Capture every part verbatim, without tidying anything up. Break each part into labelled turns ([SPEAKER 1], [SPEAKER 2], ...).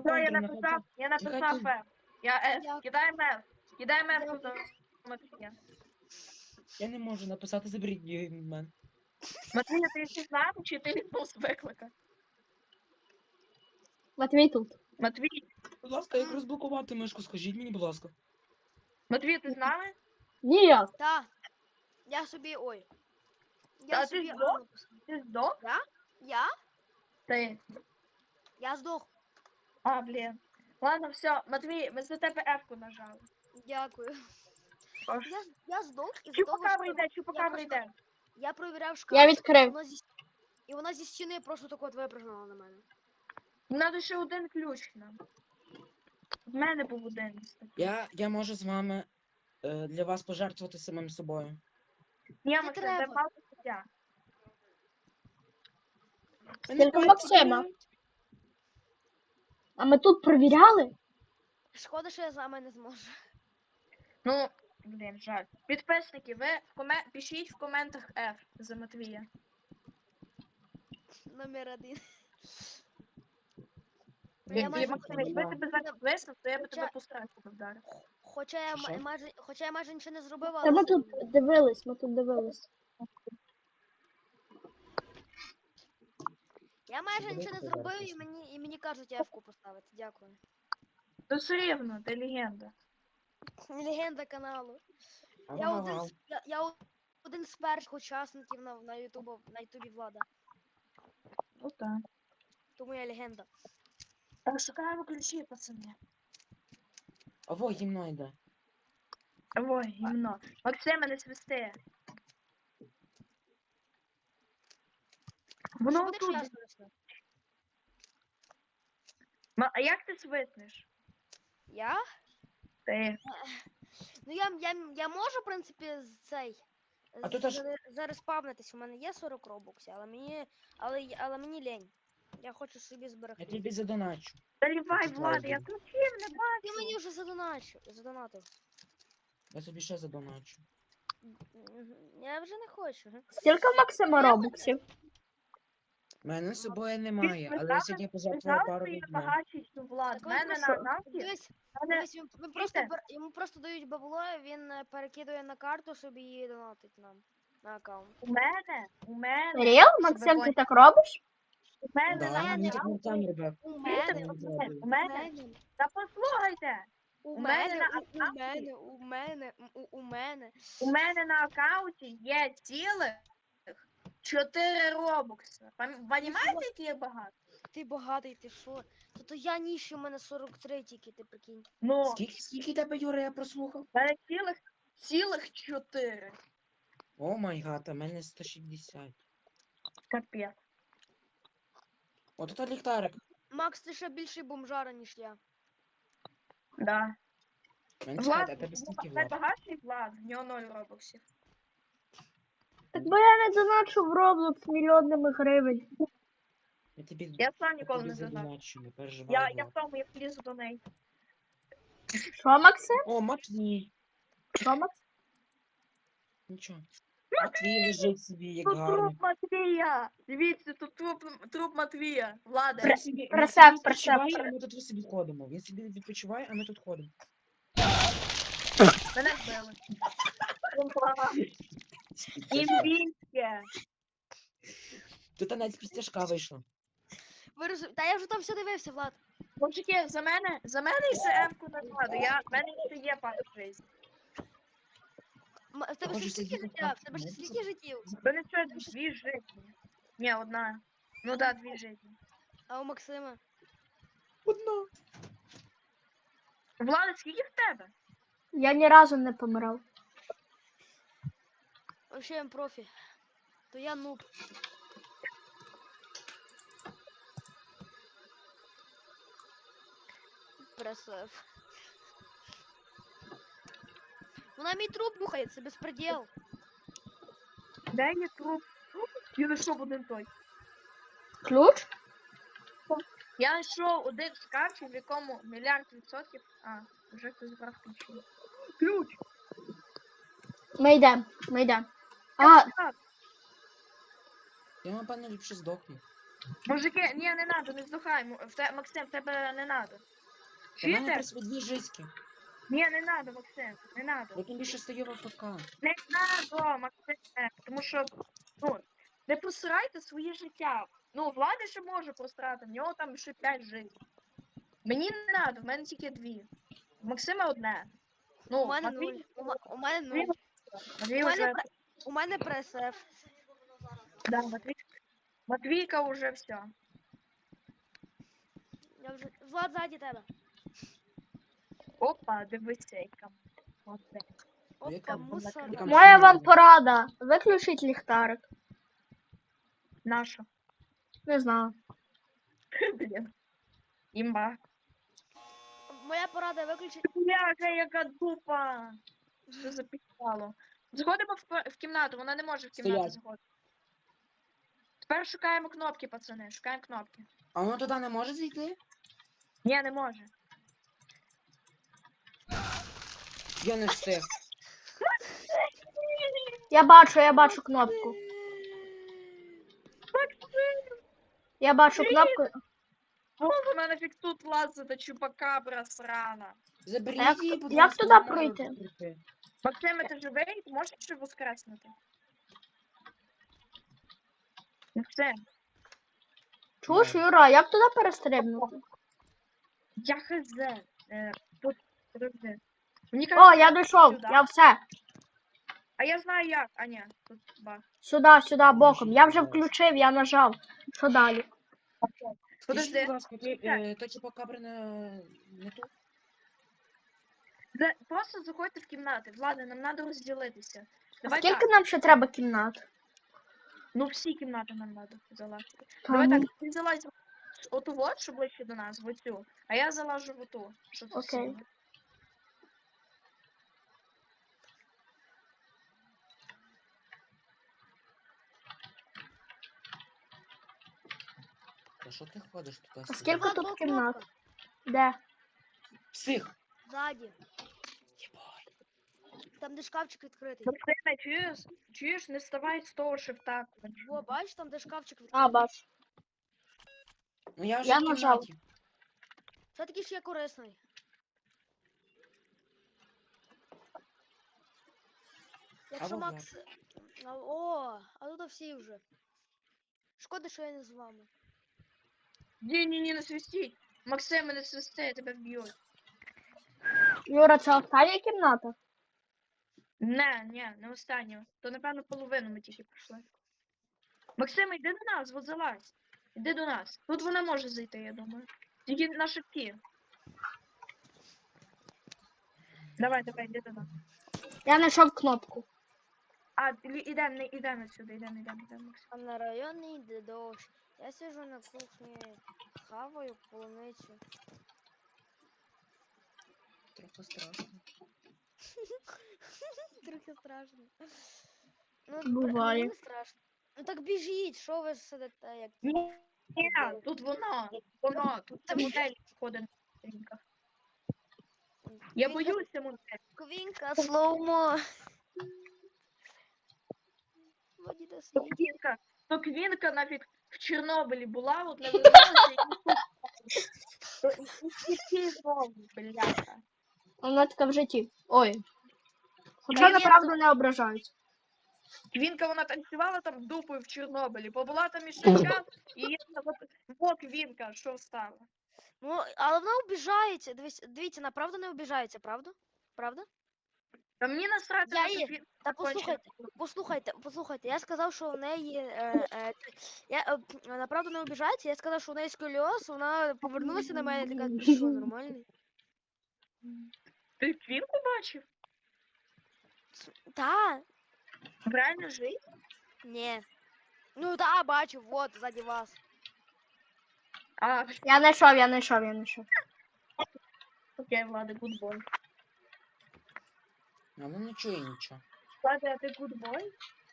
[SPEAKER 1] Все, я
[SPEAKER 2] контур,
[SPEAKER 1] написав, я написав
[SPEAKER 2] Нехай
[SPEAKER 1] F. Я F.
[SPEAKER 3] Дякую.
[SPEAKER 1] Кидаємо F. Кидаємо F
[SPEAKER 3] Дякую.
[SPEAKER 1] тут. Матвія.
[SPEAKER 2] Я не можу написати, заберіть її від мене.
[SPEAKER 1] Матвія, ти ще з нами, чи ти відбув з виклика?
[SPEAKER 4] Матвій тут.
[SPEAKER 1] Матвій,
[SPEAKER 2] Будь ласка, як розблокувати мишку, скажіть мені, будь ласка.
[SPEAKER 1] Матвій, ти з нами?
[SPEAKER 4] Ніяк.
[SPEAKER 3] Та. Я собі. Ой.
[SPEAKER 1] Та
[SPEAKER 3] Я
[SPEAKER 1] ти
[SPEAKER 3] собі
[SPEAKER 1] здох?
[SPEAKER 3] А написав.
[SPEAKER 1] Ти здох?
[SPEAKER 3] Я?
[SPEAKER 1] Ти.
[SPEAKER 3] Я здох.
[SPEAKER 1] А, блін. Ладно, все, Матвій, ми за тебе F-ку нажали.
[SPEAKER 3] Дякую.
[SPEAKER 1] Тож.
[SPEAKER 3] Я, я здох із того,
[SPEAKER 1] Чупакабра
[SPEAKER 3] що
[SPEAKER 1] йде, чупакабра
[SPEAKER 3] просто-
[SPEAKER 1] йде.
[SPEAKER 3] я провіряв шкаф.
[SPEAKER 4] Я відкрив.
[SPEAKER 3] Вона зі... І вона зі стіни просто так от випрыгнула на мене.
[SPEAKER 1] Надо ще один ключ нам. В мене був один.
[SPEAKER 2] Я, я можу з вами е, для вас пожертвувати самим собою.
[SPEAKER 1] Ні,
[SPEAKER 3] Не
[SPEAKER 1] Максим,
[SPEAKER 3] треба.
[SPEAKER 1] де палка життя.
[SPEAKER 4] Тільки Максима. А ми тут провіряли?
[SPEAKER 3] Шкода, що я з вами не зможу.
[SPEAKER 1] Ну, блін, жаль. Підписники, ви в коме... пишіть в коментах F за Матвія.
[SPEAKER 3] Номер один.
[SPEAKER 2] Ви-
[SPEAKER 3] Я
[SPEAKER 1] І,
[SPEAKER 3] майже-
[SPEAKER 1] Максим, якби тебе зараз виснув, то я би
[SPEAKER 3] Хоча-
[SPEAKER 1] тебе постарав вдарив.
[SPEAKER 3] Хоча я,
[SPEAKER 2] Що?
[SPEAKER 3] ма- майже, хоча я майже нічого не зробив,
[SPEAKER 4] Та
[SPEAKER 3] але...
[SPEAKER 4] ми тут дивились, ми тут дивились.
[SPEAKER 3] Я майже
[SPEAKER 2] Давайте
[SPEAKER 3] нічого не
[SPEAKER 2] зараз
[SPEAKER 3] зробив, і
[SPEAKER 2] пісня.
[SPEAKER 3] мені, і мені кажуть F-ку поставити. Дякую.
[SPEAKER 1] То все рівно, ти легенда.
[SPEAKER 3] Легенда каналу. Я
[SPEAKER 2] Ага,
[SPEAKER 3] один,
[SPEAKER 2] ага.
[SPEAKER 3] з, я, я один з перших учасників на, на ютубу, на ютубі Влада.
[SPEAKER 1] Ну так.
[SPEAKER 3] Тому я легенда.
[SPEAKER 1] Так, шукаємо ключі, пацани.
[SPEAKER 2] Ово, гімно йде.
[SPEAKER 1] Ой, гімно. Максиме, не свисти.
[SPEAKER 3] Що
[SPEAKER 1] Воно
[SPEAKER 3] будеш
[SPEAKER 1] тут.
[SPEAKER 3] я свисну?
[SPEAKER 1] Ма- А як ти свиснеш?
[SPEAKER 3] Я?
[SPEAKER 1] Ти.
[SPEAKER 3] Ну я, я, я можу, в принципі, з цей.
[SPEAKER 2] А тут аж-
[SPEAKER 3] заре- Зареспавнитись. У мене є сорок робоксів, але мені. Але, й- але мені лень. Я хочу собі
[SPEAKER 2] Я
[SPEAKER 3] зберегти.
[SPEAKER 2] тобі задоначу.
[SPEAKER 1] Заливай,
[SPEAKER 2] Тут
[SPEAKER 1] Влад, я
[SPEAKER 2] лайк
[SPEAKER 1] ключів не
[SPEAKER 3] Ти
[SPEAKER 1] бачу.
[SPEAKER 3] мені вже задоначив. Задонатив.
[SPEAKER 2] Я собі ще задоначу.
[SPEAKER 3] Мгм. Я вже не хочу. га.
[SPEAKER 4] Скільки в Максима робоксів?
[SPEAKER 2] У мене з собою немає,
[SPEAKER 1] ви
[SPEAKER 2] але я
[SPEAKER 1] знали-
[SPEAKER 2] сьогодні
[SPEAKER 1] Ви
[SPEAKER 2] пожертвував
[SPEAKER 1] знали,
[SPEAKER 2] пару
[SPEAKER 1] що я
[SPEAKER 2] відьман.
[SPEAKER 1] багатший, ніж Влад?
[SPEAKER 3] Так
[SPEAKER 1] В
[SPEAKER 3] він
[SPEAKER 1] мене на
[SPEAKER 3] просто-
[SPEAKER 1] аккаунті.
[SPEAKER 3] Дивись,
[SPEAKER 1] в мене-
[SPEAKER 3] дивись, він, він просто
[SPEAKER 1] Чуєте?
[SPEAKER 3] бер- йому просто дають бабло, він е, перекидує на карту, щоб її донатить нам на аккаунт.
[SPEAKER 1] У мене, у мене,
[SPEAKER 4] Ріл?
[SPEAKER 1] щоб ви
[SPEAKER 4] Максим, ти
[SPEAKER 1] поняли,
[SPEAKER 4] так робиш?
[SPEAKER 1] у мене
[SPEAKER 2] Да,
[SPEAKER 1] на
[SPEAKER 2] мені так
[SPEAKER 1] аккаунті.
[SPEAKER 2] Артем робив.
[SPEAKER 3] У
[SPEAKER 1] Чуєте,
[SPEAKER 3] мене,
[SPEAKER 2] не
[SPEAKER 1] у
[SPEAKER 2] зробив.
[SPEAKER 1] мене, у
[SPEAKER 3] у
[SPEAKER 1] мене,
[SPEAKER 3] мене,
[SPEAKER 1] та послухайте,
[SPEAKER 3] у
[SPEAKER 1] у мене
[SPEAKER 3] мене,
[SPEAKER 1] на
[SPEAKER 3] у- у
[SPEAKER 1] аккаунті-
[SPEAKER 3] мене, у мене, м, у- у мене.
[SPEAKER 1] у мене на аккаунті є цілих чотири робокси. Пам- Понімаєте, які є багато?
[SPEAKER 3] Ти багатий, ти що? То то я ніщий, у мене сорок три тільки, ти прикинь.
[SPEAKER 1] Ну,
[SPEAKER 2] Скільки, скільки тебе, Юра, я прослухав?
[SPEAKER 1] в мене цілих, цілих чотири.
[SPEAKER 2] О май гад, а мене сто шістдесят.
[SPEAKER 1] Капець.
[SPEAKER 2] От це ліхтарик.
[SPEAKER 3] Макс, ти ще більший бомжара, ніж я.
[SPEAKER 1] Да.
[SPEAKER 2] Мене
[SPEAKER 1] Влад,
[SPEAKER 2] чекайте, а тебе скільки Влад?
[SPEAKER 1] найбагатший Влад, в нього ноль робоксів.
[SPEAKER 4] Так бо я не доначу в Roblox мільйонами гривень.
[SPEAKER 2] Я тобі,
[SPEAKER 1] Я сам
[SPEAKER 2] я
[SPEAKER 1] ніколи
[SPEAKER 2] тобі
[SPEAKER 1] не задав.
[SPEAKER 2] задоначу, не переживай,
[SPEAKER 1] Я, я в
[SPEAKER 2] Влад.
[SPEAKER 1] тому, я влізу до неї.
[SPEAKER 4] Що, Максим?
[SPEAKER 2] О, Матвій.
[SPEAKER 4] Що, Максим?
[SPEAKER 2] Нічого. Матвій лежить собі, як
[SPEAKER 1] Тут
[SPEAKER 2] гарно.
[SPEAKER 1] труп Матвія! Дивіться, тут труп, труп Матвія. Влада.
[SPEAKER 2] Він собі, він
[SPEAKER 4] Просак,
[SPEAKER 2] собі
[SPEAKER 4] просак.
[SPEAKER 2] відпочиває, а ми тут собі ходимо. Він собі відпочиває, а ми тут ходимо.
[SPEAKER 1] Мене вбили. Імбінське.
[SPEAKER 2] Тут навіть пістяшка вийшла.
[SPEAKER 3] Ви роз... Та я вже там все дивився, Влад.
[SPEAKER 1] Мужики, за мене, за мене і за М-ку накладу. Я, в мене ще є пару жизнь.
[SPEAKER 3] М- В тебе
[SPEAKER 2] Хочу
[SPEAKER 3] ще скільки
[SPEAKER 2] сидіти
[SPEAKER 3] життя?
[SPEAKER 2] так,
[SPEAKER 3] В тебе ще
[SPEAKER 2] ну,
[SPEAKER 3] скільки життів?
[SPEAKER 1] В мене що, дві жизни. Ні, одна. Ну да, дві жизни.
[SPEAKER 3] А у Максима?
[SPEAKER 2] Одна.
[SPEAKER 1] Влада, скільки в тебе?
[SPEAKER 4] Я ні разу не помирав.
[SPEAKER 3] Вообще я профі. То я нуб. Пресеф. Вона мій труп бухає, це безпреділ.
[SPEAKER 1] Де є труп? Я знайшов один той.
[SPEAKER 4] Ключ?
[SPEAKER 1] Я знайшов один шкафчик, в якому мільярд відсотків. А, вже хтось забрав ключі. Ключ!
[SPEAKER 4] Ми йдемо, ми йдемо. А,
[SPEAKER 1] Так,
[SPEAKER 2] Я, напевно, ліпше здохну.
[SPEAKER 1] Мужики, ні, не надо, не здухай. М- В те, Максим, в тебе не надо.
[SPEAKER 2] У мене
[SPEAKER 1] Чуєте?
[SPEAKER 2] просто дві жиськи.
[SPEAKER 1] Ні, не надо, Максим, не надо.
[SPEAKER 2] Я тим більше стою в АФК.
[SPEAKER 1] Не надо, Максим, тому що, ну, не просирайте своє життя. Ну, Влада ще може просрати, в нього там ще п'ять життів. Мені не надо, в мене тільки дві. В Максима одне. Ну,
[SPEAKER 3] У мене нуль.
[SPEAKER 1] Матвій,
[SPEAKER 3] У ма- у мене
[SPEAKER 1] Матвій,
[SPEAKER 3] нуль.
[SPEAKER 1] Матвій
[SPEAKER 3] У мене,
[SPEAKER 1] вже,
[SPEAKER 3] пре- у мене пресеф.
[SPEAKER 1] да, Матвій, Матвійка вже все.
[SPEAKER 3] Я вже... Влад ззаді тебе.
[SPEAKER 1] Опа, дивися, яка. Оце.
[SPEAKER 2] Яка-
[SPEAKER 3] Опа, мусора.
[SPEAKER 2] яка-
[SPEAKER 4] Моя вам порада. Виключіть ліхтарик.
[SPEAKER 1] Наша.
[SPEAKER 4] Не знаю.
[SPEAKER 1] Блін. Імба.
[SPEAKER 3] Моя порада виключить.
[SPEAKER 1] Бляха, яка дупа. Що запіхало. Заходимо в, п- в кімнату, вона не може в кімнату
[SPEAKER 2] Стоять.
[SPEAKER 1] заходити. Тепер шукаємо кнопки, пацани, шукаємо кнопки.
[SPEAKER 2] А воно туди не може зайти?
[SPEAKER 1] Ні, не може.
[SPEAKER 2] Я не встиг.
[SPEAKER 4] Я бачу, я бачу кнопку. Я бачу кнопку.
[SPEAKER 1] О, вона нафіг тут лазить, та чупакабра срана.
[SPEAKER 2] Заберіть
[SPEAKER 4] А як-
[SPEAKER 2] її, будь
[SPEAKER 4] як
[SPEAKER 2] ласка,
[SPEAKER 4] туди
[SPEAKER 2] я можу
[SPEAKER 4] пройти?
[SPEAKER 2] пройти.
[SPEAKER 1] Максиме, ти живий? Ти можеш ще воскреснути? Максим,
[SPEAKER 4] Чуєш, Юра, як туди перестрибнути?
[SPEAKER 1] я хз. Е, тут, подожди. Мені
[SPEAKER 4] О,
[SPEAKER 1] кажется,
[SPEAKER 4] я дійшов,
[SPEAKER 1] сюди.
[SPEAKER 4] я все.
[SPEAKER 1] А я знаю як. А ні, тут баг.
[SPEAKER 4] Сюди, сюди, боком. Я вже включив, я нажав. Що далі?
[SPEAKER 2] Скажіть,
[SPEAKER 1] Подожди.
[SPEAKER 2] будь ласка, ти, е, то чупакабра не, не тут?
[SPEAKER 1] За- Просто заходьте в кімнати. Влада, нам треба розділитися.
[SPEAKER 4] А
[SPEAKER 1] Давай
[SPEAKER 4] скільки
[SPEAKER 1] так.
[SPEAKER 4] нам ще треба кімнат?
[SPEAKER 1] Ну всі кімнати нам треба залазити.
[SPEAKER 4] Та
[SPEAKER 1] Давай
[SPEAKER 4] ну,
[SPEAKER 1] так, ти залазь в оту вот, що ближче до нас, в оцю. А я залажу в оту. Що тут
[SPEAKER 4] Окей.
[SPEAKER 1] синє.
[SPEAKER 2] Та що ти ходиш туди?
[SPEAKER 4] А скільки
[SPEAKER 3] Влад,
[SPEAKER 4] тут
[SPEAKER 3] була
[SPEAKER 4] кімнат?
[SPEAKER 3] кнопка.
[SPEAKER 4] Де?
[SPEAKER 2] Псих!
[SPEAKER 3] Ззаді.
[SPEAKER 2] Єбать.
[SPEAKER 3] Там де шкафчик відкритий.
[SPEAKER 1] Максиме, чуєш? Чуєш, не вставай з того шифта.
[SPEAKER 3] Во, бачиш, там де шкафчик
[SPEAKER 4] А,
[SPEAKER 3] відкритий.
[SPEAKER 4] бачу.
[SPEAKER 2] Ну я вже
[SPEAKER 4] Я
[SPEAKER 2] в
[SPEAKER 4] нажав.
[SPEAKER 2] кімнаті.
[SPEAKER 3] Це такий ж є корисний. Якщо
[SPEAKER 2] вот
[SPEAKER 3] Макс. А, О, а тут всі вже. Шкода, що я не з вами.
[SPEAKER 1] Ні-ні-ні, не свистіть. Максиме, не свисти, тебе вб'ють.
[SPEAKER 4] Юра, це остання кімната?
[SPEAKER 1] Не, ні, не останню. То, напевно, половину ми тільки пройшли. Максиме, йди до нас, от залазь. Іди до нас. Тут вона може зайти, я думаю. Тільки на шипки. Давай, давай, йди до нас.
[SPEAKER 4] Я знайшов кнопку.
[SPEAKER 1] А, лі- ідем, не ідем отсюди, ідем, ідем, ідем, Максим.
[SPEAKER 3] А на районі йде дощ. Я сижу на кухні, хаваю полуницю.
[SPEAKER 2] Трохи страшно.
[SPEAKER 3] Трохи страшно. Ну,
[SPEAKER 4] Буває.
[SPEAKER 3] мені не страшно. Ну так біжіть, що ви сидите, як
[SPEAKER 1] Ні, ні, тут воно, воно, тут це модель ходить на сторінках. Я
[SPEAKER 3] Квінка-
[SPEAKER 1] боюся модель.
[SPEAKER 3] Квінка, слоумо. Водіте
[SPEAKER 1] То
[SPEAKER 3] свій.
[SPEAKER 1] квінка, то квінка нафіг в Чорнобилі була, от не вернулася і то і всі знову, бляха.
[SPEAKER 4] Вона така в житті. Ой. Хоча
[SPEAKER 1] Та ні,
[SPEAKER 4] направду не ображають.
[SPEAKER 1] Квінка, вона танцювала там дупою в Чорнобилі, побула там іще час, і є от, во квінка, що стала.
[SPEAKER 3] Ну, але вона обіжається. Дивіться, дивіться, вона правда не обіжається, правда? Правда?
[SPEAKER 1] Та мені насрати
[SPEAKER 3] Я
[SPEAKER 1] на
[SPEAKER 3] її-
[SPEAKER 1] квінку.
[SPEAKER 3] Та послухайте, послухайте, послухайте, я сказав, що у неї. Е, е, я, е, вона правда не обіжається, я сказав, що у неї сколіоз, вона повернулася на мене і така, ти що, нормальний?
[SPEAKER 1] Ти квінку бачив?
[SPEAKER 3] Та,
[SPEAKER 1] В реально житті?
[SPEAKER 3] ні. Ну та, бачу, вот, ззаді вас.
[SPEAKER 1] А,
[SPEAKER 4] Я знайшов, я знайшов, я знайшов.
[SPEAKER 1] окей, Влада, гудбой.
[SPEAKER 2] А воно не чує нічого.
[SPEAKER 1] Влада, а ти гудбой?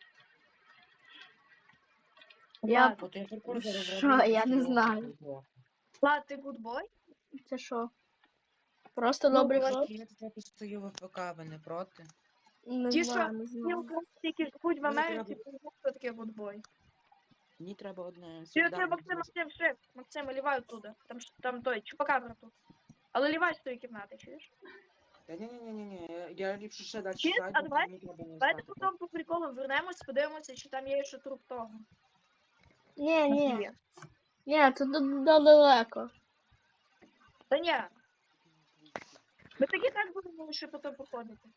[SPEAKER 4] Я-
[SPEAKER 2] От я паркур зараз
[SPEAKER 4] Що?
[SPEAKER 2] зроблю,
[SPEAKER 4] Я не
[SPEAKER 2] і
[SPEAKER 4] знаю.
[SPEAKER 2] все.
[SPEAKER 1] Влад, ти гудбой?
[SPEAKER 4] Це що? Просто
[SPEAKER 1] Ну,
[SPEAKER 4] добрий
[SPEAKER 1] Влад,
[SPEAKER 4] хлоп?
[SPEAKER 2] Я тут стою в АФК, ви не проти?
[SPEAKER 4] Не
[SPEAKER 1] Ті,
[SPEAKER 4] знаю,
[SPEAKER 1] що
[SPEAKER 4] не
[SPEAKER 1] Ті
[SPEAKER 4] знаю.
[SPEAKER 1] українці, які живуть в
[SPEAKER 2] Мені
[SPEAKER 1] Америці,
[SPEAKER 2] треба-
[SPEAKER 1] знають, що таке гудбой.
[SPEAKER 2] Мені треба одне
[SPEAKER 1] Ти оце
[SPEAKER 2] солідарне
[SPEAKER 1] Максим, Максим, шеф, Максим, лівай оттуда. Там, ж- там той, чупакабра тут. Але лівай з тої кімнати, чуєш?
[SPEAKER 2] Та ні, ні, ні, ні, ні, я, я ліпше ще далі
[SPEAKER 1] Чи?
[SPEAKER 2] зайду,
[SPEAKER 1] А
[SPEAKER 2] бо
[SPEAKER 1] давай-
[SPEAKER 2] мені треба не
[SPEAKER 1] Давайте
[SPEAKER 2] стати.
[SPEAKER 1] потім по приколу вернемось, подивимося, чи там є ще труп того.
[SPEAKER 4] Ні, ні.
[SPEAKER 1] Матвія.
[SPEAKER 4] Ні, це д- д- далеко.
[SPEAKER 1] Та ні. Ми таки так будемо ще потім походити.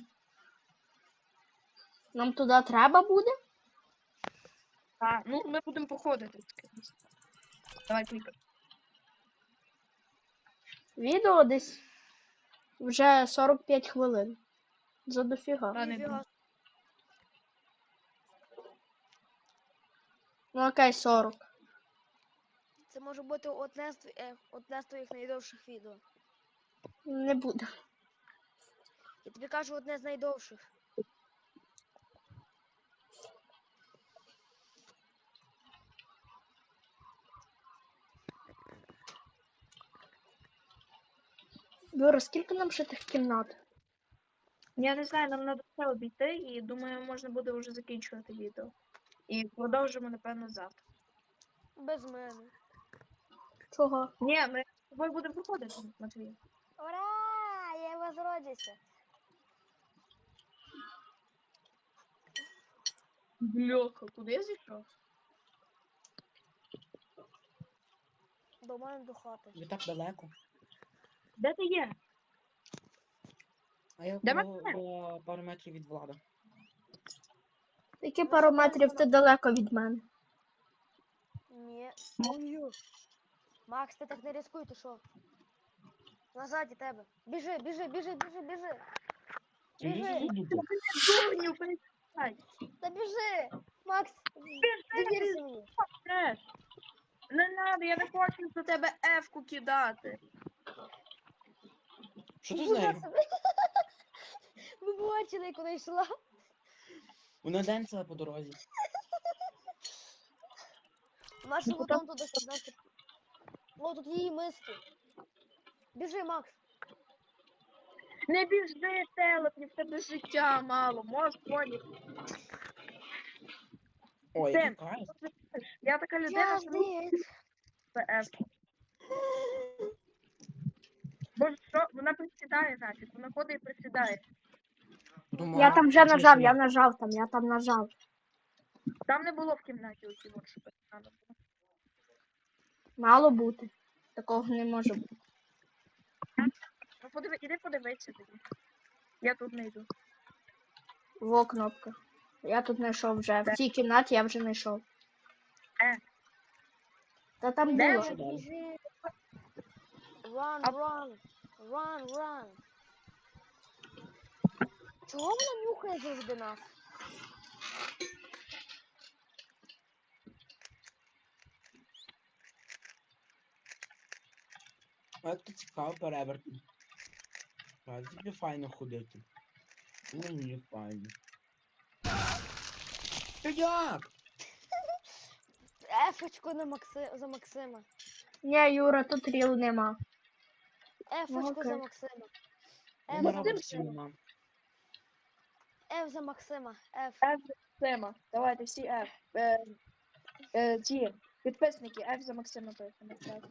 [SPEAKER 4] Нам туди треба буде?
[SPEAKER 1] А, ну ми будемо походити. скрізь. Давай клікай.
[SPEAKER 4] Відео десь вже сорок п'ять хвилин. За дофіга.
[SPEAKER 1] Та не
[SPEAKER 3] Ніфіга.
[SPEAKER 1] думаю.
[SPEAKER 4] Ну окей, сорок.
[SPEAKER 3] Це може бути одне з, тві- е, одне з твоїх найдовших відео.
[SPEAKER 4] Не буде.
[SPEAKER 3] Я тобі кажу, одне з найдовших.
[SPEAKER 4] Юра, скільки нам ще тих кімнат?
[SPEAKER 1] Я не знаю, нам треба все обійти і думаю, можна буде вже закінчувати відео. І продовжимо, напевно, завтра.
[SPEAKER 3] Без мене.
[SPEAKER 4] Чого?
[SPEAKER 1] Ні, ми з тобою будемо походити, Матвій.
[SPEAKER 3] Ура! Я возродився.
[SPEAKER 1] Бляха, куди я зійшов?
[SPEAKER 3] До мене до хати.
[SPEAKER 2] Ви так далеко.
[SPEAKER 1] Де ти є?
[SPEAKER 2] А я
[SPEAKER 1] Де
[SPEAKER 2] коло,
[SPEAKER 1] Максим?
[SPEAKER 2] за пару метрів від влада.
[SPEAKER 4] Які пару метрів ти далеко від мене?
[SPEAKER 3] Ні. Ой-ой. Макс, ти так не ризикуй, ти що? Назаді тебе. Біжи, біжи, біжи, біжи, біжи. Біжи.
[SPEAKER 1] Дурню, перестань.
[SPEAKER 3] Та біжи. Макс, довірся мені.
[SPEAKER 1] Треш. Не надо, я не хочу за тебе ефку кидати.
[SPEAKER 2] Що ти з
[SPEAKER 3] Куди
[SPEAKER 2] нею?
[SPEAKER 3] себе? Ви бачили, куди йшла?
[SPEAKER 2] Вона денцела по дорозі.
[SPEAKER 3] Наша
[SPEAKER 1] Ну,
[SPEAKER 3] потом туди сідати. О, тут її миски. Біжи, Макс.
[SPEAKER 1] Не біжи, телепні, в тебе життя мало, можеш поняти.
[SPEAKER 2] Ой,
[SPEAKER 1] Сем.
[SPEAKER 2] який кайф.
[SPEAKER 1] Я така людина, що не
[SPEAKER 3] Язик.
[SPEAKER 1] це ефку. Боже, що? Вона присідає нафіг, вона ходить і присідає.
[SPEAKER 2] Думаю,
[SPEAKER 4] Я там вже
[SPEAKER 2] це
[SPEAKER 4] нажав,
[SPEAKER 2] ж
[SPEAKER 4] я нажав там, я там нажав.
[SPEAKER 1] Там не було в кімнаті оці от, що треба було.
[SPEAKER 4] Мало бути. Такого не може бути.
[SPEAKER 1] Ну подиви, іди подивися тоді. Я тут не йду.
[SPEAKER 4] Во кнопка. Я тут знайшов вже. В цій кімнаті я вже знайшов.
[SPEAKER 1] Е.
[SPEAKER 4] Та там
[SPEAKER 1] Де
[SPEAKER 4] було.
[SPEAKER 2] Що далі?
[SPEAKER 3] Біжи. Run,
[SPEAKER 1] А-
[SPEAKER 3] run. Run, run. Чого вона нюхає завжди нас?
[SPEAKER 2] А як ти цікаво перевертень. А тобі файно ходити. І мені файно. Та як?
[SPEAKER 3] Ефочку на Макси... за Максима.
[SPEAKER 4] Ні, Юра, тут ріл нема.
[SPEAKER 3] Ефочку за
[SPEAKER 4] окей.
[SPEAKER 3] Максима.
[SPEAKER 2] Я
[SPEAKER 3] Еф
[SPEAKER 2] не
[SPEAKER 3] за
[SPEAKER 2] роблю
[SPEAKER 3] Максима.
[SPEAKER 2] всім мам.
[SPEAKER 3] Еф за Максима. Еф.
[SPEAKER 1] Еф за Максима. Давайте всі Еф. Е, е, ті підписники, Еф за Максима пишемо. Так.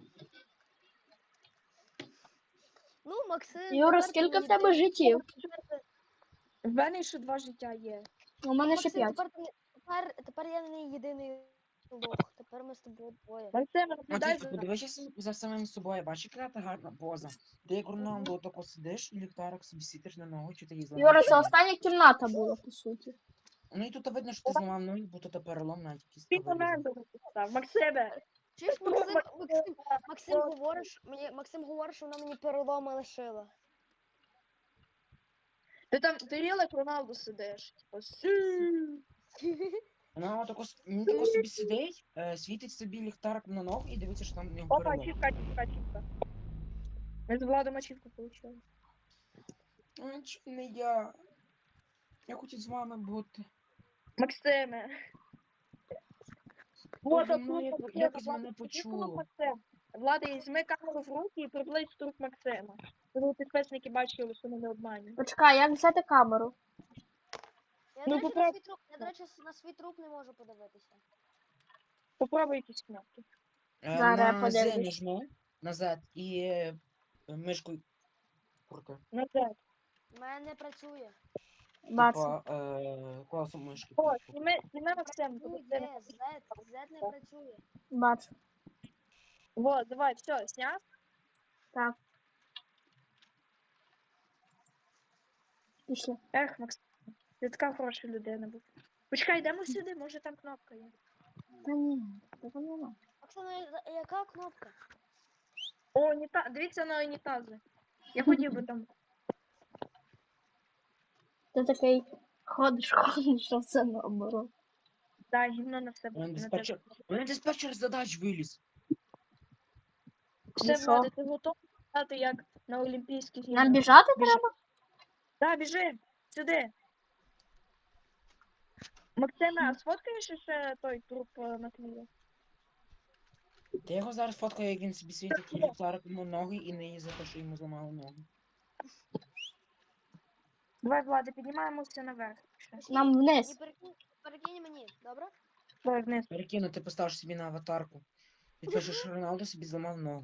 [SPEAKER 3] Ну, Максим.
[SPEAKER 4] Юра,
[SPEAKER 3] тепер
[SPEAKER 4] скільки
[SPEAKER 3] ти
[SPEAKER 4] в тебе
[SPEAKER 3] не-
[SPEAKER 4] життів?
[SPEAKER 1] В мене ще два життя є.
[SPEAKER 4] У мене ще
[SPEAKER 3] Максим,
[SPEAKER 4] п'ять.
[SPEAKER 3] тепер, ти не- тепер, тепер я не єдиний лох. Тепер ми з тобою двоє.
[SPEAKER 1] Максима, наблюдай
[SPEAKER 2] Матвійко,
[SPEAKER 1] за
[SPEAKER 2] подивися с- за самим собою, бачиш, яка ти гарна поза. Ти як Роналдо тако сидиш і ліхтарик собі світиш на ногу, чи ти її зламав.
[SPEAKER 4] Юра,
[SPEAKER 2] чи
[SPEAKER 4] це
[SPEAKER 2] ні?
[SPEAKER 4] остання кімната була, по суті.
[SPEAKER 2] Ну і тут видно, що ти зламав ноги, бо тут перелом навіть якийсь
[SPEAKER 1] Ти
[SPEAKER 2] вирізав.
[SPEAKER 1] Роналдо написав. Максиме,
[SPEAKER 3] Чуєш,
[SPEAKER 1] Ну,
[SPEAKER 3] Максим,
[SPEAKER 1] Максим,
[SPEAKER 3] Максим, Максим говориш, мені, Максим говориш, що вона мені переломи лишила.
[SPEAKER 1] ти там, ти реально як Роналдо сидиш. Типа, сю.
[SPEAKER 2] Вона тако, с- він тако собі сидить, е, світить собі ліхтарик на ногу і дивиться, що там в нього
[SPEAKER 1] Опа,
[SPEAKER 2] перелом.
[SPEAKER 1] ачівка, ачівка, ачівка. Ми з Владом ачівку получили.
[SPEAKER 2] Ой, чому не я? Я хочу з вами бути.
[SPEAKER 1] Максиме.
[SPEAKER 2] Боже,
[SPEAKER 1] Вот,
[SPEAKER 2] ну,
[SPEAKER 1] тут,
[SPEAKER 2] як-
[SPEAKER 1] Максиме,
[SPEAKER 2] якось
[SPEAKER 1] Влад,
[SPEAKER 2] мене
[SPEAKER 1] ти
[SPEAKER 2] почуло.
[SPEAKER 1] труп Максима. Влада, візьми камеру в руки і приблизь труп Максима. Тому підписники бачили, що ми не обманюємо.
[SPEAKER 4] Почекай, як взяти камеру?
[SPEAKER 3] Я,
[SPEAKER 1] Ну,
[SPEAKER 3] до речі, на
[SPEAKER 1] попробуй.
[SPEAKER 3] свій труп, я, до речі, на свій труп не можу подивитися.
[SPEAKER 1] Попробуй якісь кнопки.
[SPEAKER 2] Е,
[SPEAKER 4] Зараз я
[SPEAKER 2] На Z
[SPEAKER 4] подивлюсь.
[SPEAKER 2] нажми, на Z і е, мишкою крути.
[SPEAKER 1] Назад.
[SPEAKER 3] У мене не працює.
[SPEAKER 4] Бачу.
[SPEAKER 2] Типа е, класом мишки.
[SPEAKER 1] О,
[SPEAKER 2] крути.
[SPEAKER 1] зніми, зніми Максим.
[SPEAKER 3] Працює, Z, Z не працює.
[SPEAKER 4] Бачу.
[SPEAKER 1] Вот, давай, все, сняв.
[SPEAKER 4] Так. Пішли.
[SPEAKER 1] Ех, Максим, ти така хороша людина був. Почекай, йдемо сюди, може там кнопка є.
[SPEAKER 4] Та ні, того нема.
[SPEAKER 3] Оксана, я- яка кнопка?
[SPEAKER 1] О, уніта... дивіться на унітази. Я хотів би там.
[SPEAKER 4] Ти такий ходиш, ходиш, а все наоборот.
[SPEAKER 1] Да, гімно на все.
[SPEAKER 2] У мене
[SPEAKER 1] на
[SPEAKER 2] диспетчер, у мене диспетчер задач виліз.
[SPEAKER 1] Все,
[SPEAKER 4] що?
[SPEAKER 1] Влада, ти готовий стати як на Олімпійських
[SPEAKER 4] Нам
[SPEAKER 1] іграх?
[SPEAKER 4] біжати
[SPEAKER 1] Біжи.
[SPEAKER 4] треба?
[SPEAKER 1] Да, біжи, сюди. Максиме, а сфоткаєш ще той труп е, Матвія?
[SPEAKER 2] Та я його зараз фоткаю, як він собі світить і ліхтарик йому ноги і не за те, що йому зламали ноги.
[SPEAKER 1] Давай, Влада, піднімаємося наверх. Ще.
[SPEAKER 4] Нам
[SPEAKER 3] І
[SPEAKER 4] вниз.
[SPEAKER 3] перекинь, перекинь мені, добре?
[SPEAKER 1] Давай вниз.
[SPEAKER 2] Перекину, ти поставиш собі на аватарку. І пишеш, що Роналдо собі зламав ногу.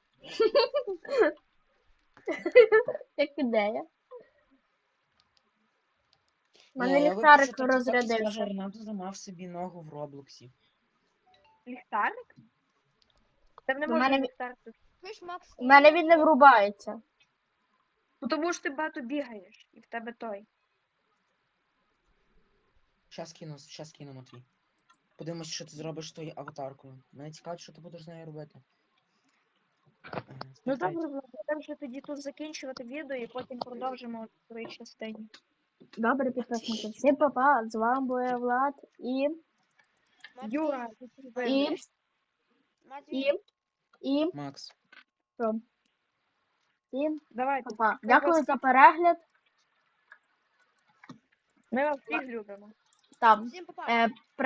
[SPEAKER 4] Як ідея. У
[SPEAKER 2] Ні,
[SPEAKER 4] мене
[SPEAKER 2] я
[SPEAKER 4] ліхтарик
[SPEAKER 2] випишу, так, скаже,
[SPEAKER 4] розрядився.
[SPEAKER 2] Роналдо зламав собі ногу в Роблоксі.
[SPEAKER 1] Ліхтарик? Та не
[SPEAKER 4] У
[SPEAKER 1] може
[SPEAKER 4] мене-
[SPEAKER 1] ліхтарик тут.
[SPEAKER 3] Чуєш, Макс?
[SPEAKER 4] У мене він не врубається.
[SPEAKER 1] Ну тому що ти багато бігаєш, і в тебе той.
[SPEAKER 2] Щас кину, щас кину, Матвій. Подивимось, що ти зробиш з тою аватаркою. Мене цікавить, що ти будеш з нею робити. Ага,
[SPEAKER 1] Ну
[SPEAKER 2] стартай.
[SPEAKER 1] добре, Влада, так вже тоді тут закінчувати відео і потім продовжимо в другій частині.
[SPEAKER 4] Добре, підписники. Всім па-па. З вами був Влад і...
[SPEAKER 3] Матвій,
[SPEAKER 1] Юра,
[SPEAKER 4] І...
[SPEAKER 3] Матвій,
[SPEAKER 4] І... І...
[SPEAKER 2] Макс.
[SPEAKER 4] Що? Всім
[SPEAKER 1] давайте.
[SPEAKER 4] па-па. Дякую за перегляд.
[SPEAKER 1] Ми вас всіх любимо.
[SPEAKER 4] Там.
[SPEAKER 3] всім па-па.
[SPEAKER 4] Е,